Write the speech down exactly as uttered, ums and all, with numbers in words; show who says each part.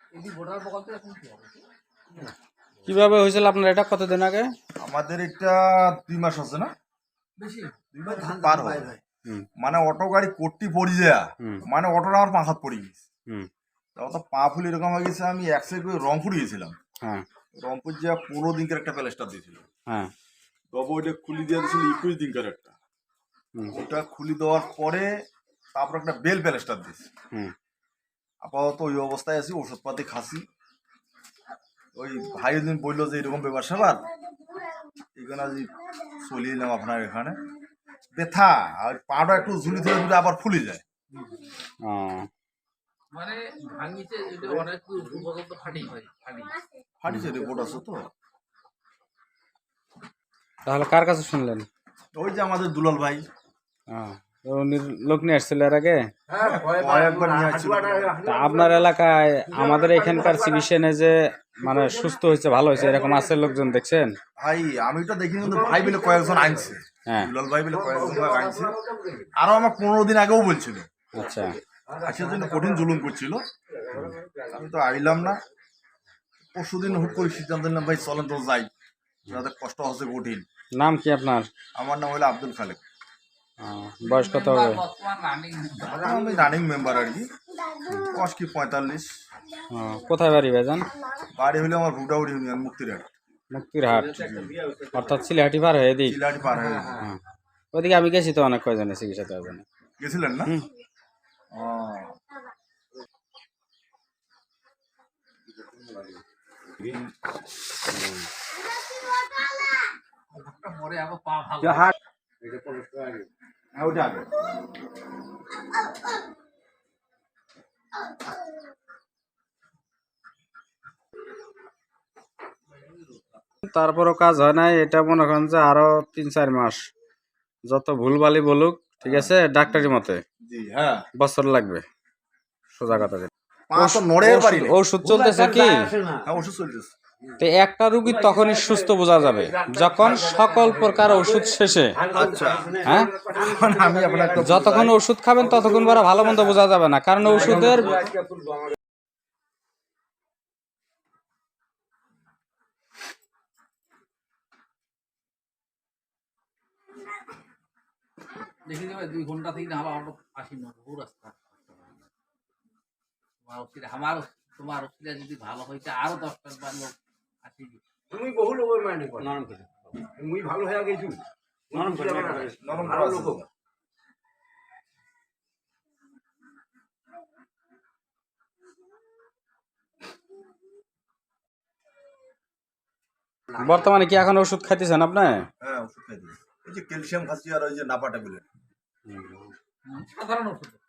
Speaker 1: কিভাবে হয়েছিল আপনার এটা কতদিন আগে?
Speaker 2: আমাদের এটা দুই মাস আছে না, পার হয় মানে অটো গাড়ি কোটটি পড়ি দেয়া, মানে অটোটা আমার পা হাত পড়ে গেছে। তো পা ফুল এরকম হয়ে গেছে, আমি এক সাইড করে রংপুর গিয়েছিলাম। রংপুর যা পনেরো দিনকার একটা প্যালেস্টার দিয়েছিল, তবে ওইটা খুলি দিয়ে দিয়েছিল একুশ দিনকার একটা। ওটা খুলি দেওয়ার পরে তারপর একটা বেল প্যালেস্টার দিয়েছে। আপাতত ওই অবস্থায় আছি, ওষুধপাতি খাসি। ওই ভাই দিন বললো যে এরকম ব্যাপার স্যাপার, এখানে আজ চলিয়ে এলাম আপনার এখানে। ব্যথা আর পাটা একটু ঝুলি ধরে ধরে আবার ফুলে যায়।
Speaker 3: মানে ভাঙিছে এটা অনেক পর্যন্ত ফাটি হয়, ফাটি
Speaker 2: ফাটিছে রিপোর্ট আছে তো।
Speaker 1: তাহলে কার কাছে শুনলেন?
Speaker 2: ওই যে আমাদের দুলাল ভাই।
Speaker 1: লোক নিয়ে আসছিল এর আগে?
Speaker 2: একবার নিয়ে আসছিল।
Speaker 1: আপনার এলাকায় আমাদের এখানকার চিকিৎসা যে মানে সুস্থ হয়েছে, ভালো হয়েছে, এরকম আছে লোকজন দেখছেন?
Speaker 2: ভাই আমি তো দেখি, কিন্তু ভাই বলে কয়েকজন আনছে, দুলাল ভাই বলে কয়েকজন আনছে। আরো আমার পনেরো দিন আগেও বলছিল।
Speaker 1: আচ্ছা,
Speaker 2: আসার জন্য কঠিন জুলুম করছিল, আমি তো আইলাম না। পরশু দিন হুট করে সিদ্ধান্ত নিলাম ভাই চলেন তো যাই, যাদের কষ্ট হচ্ছে কঠিন।
Speaker 1: নাম কি আপনার?
Speaker 2: আমার নাম হলো আব্দুল খালেক।
Speaker 1: বয়স কত হবে?
Speaker 2: আমি রানিং মেম্বার আর কি, বয়স কি পঁয়তাল্লিশ।
Speaker 1: কোথায় বাড়ি ভাইজান?
Speaker 2: বাড়ি হলে আমার রুডাউড়ি ইউনিয়ন, মুক্তিরহাট।
Speaker 1: মুক্তিরহাট অর্থাৎ সিলেহাটি পার হয়ে দিই।
Speaker 2: সিলেহাটি পার হয়ে
Speaker 1: ওইদিকে আমি গেছি তো অনেক কয়জনে চিকিৎসা দেওয়ার জন্য।
Speaker 2: গেছিলেন না?
Speaker 3: পরে আবার পা ভালো
Speaker 1: তারপরও কাজ হয় নাই। এটা মনে করেন যে আরো তিন চার মাস যত ভুলভালি বলুক, ঠিক আছে, ডাক্তারি মতে বছর লাগবে। সোজা কথা। ওষুধ চলতেছে কি?
Speaker 2: ওষুধ চলতেছে।
Speaker 1: তো একটা রুগী তখনই সুস্থ বোঝা যাবে যখন সকল প্রকার ওষুধ শেষে, হ্যাঁ, যতক্ষণ ওষুধ খাবেন ততক্ষণ বড় ভালো মন্দ বোঝা যাবে না, কারণ ওষুধের
Speaker 3: দেখি যাবে দুই ঘন্টা থেকে না হলো আসি না বহু রাস্তা। তোমার ওষুধ আমার তোমার ওষুধ যদি ভালো হইতে আরো দশটা বার লোক আসি।
Speaker 4: তুমি বহু লোক মানে নরম করে মুই ভালো হয়ে গেছি, নরম করে নরম ভালো লোক।
Speaker 1: বর্তমানে কি এখন ওষুধ খাইতেছেন আপনি?
Speaker 2: হ্যাঁ ওষুধ খাইতেছি, এই যে ক্যালসিয়াম খাচ্ছি আর ওই যে নাপা ট্যাবলেট,
Speaker 3: সাধারণ ওষুধ।